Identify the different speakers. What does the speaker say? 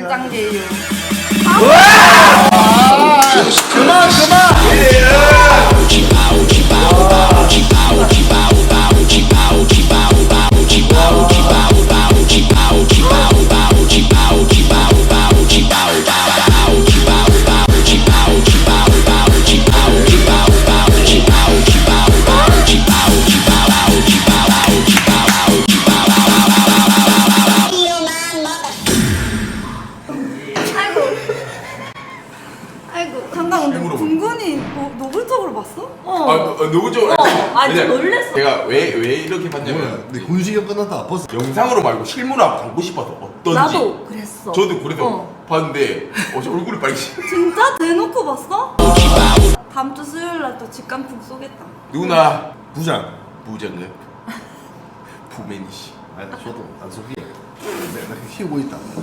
Speaker 1: 짱게요.
Speaker 2: 그만.
Speaker 1: 아이고 잠깐 근데
Speaker 3: 일부러
Speaker 1: 분근이 노골적으로 봤어?
Speaker 3: 누구 좀
Speaker 4: 아니 놀랬어.
Speaker 3: 제가 왜 이렇게 봤냐면
Speaker 2: 근데 군식이 끝났다. 벌써
Speaker 3: 영상으로 말고 실물로 한번 담고 싶어서 어떤지.
Speaker 4: 나도 그랬어.
Speaker 3: 저도 그래서 봤는데 저 얼굴이 빨개지.
Speaker 1: 진짜 대놓고 봤어? 다음 주 수요일 날 또 직감풍 쏘겠다.
Speaker 3: 누나
Speaker 2: 부장.
Speaker 3: 부장은 부맨이시.
Speaker 2: 아니 저도 안 속이에요. 내가 키우고 있다.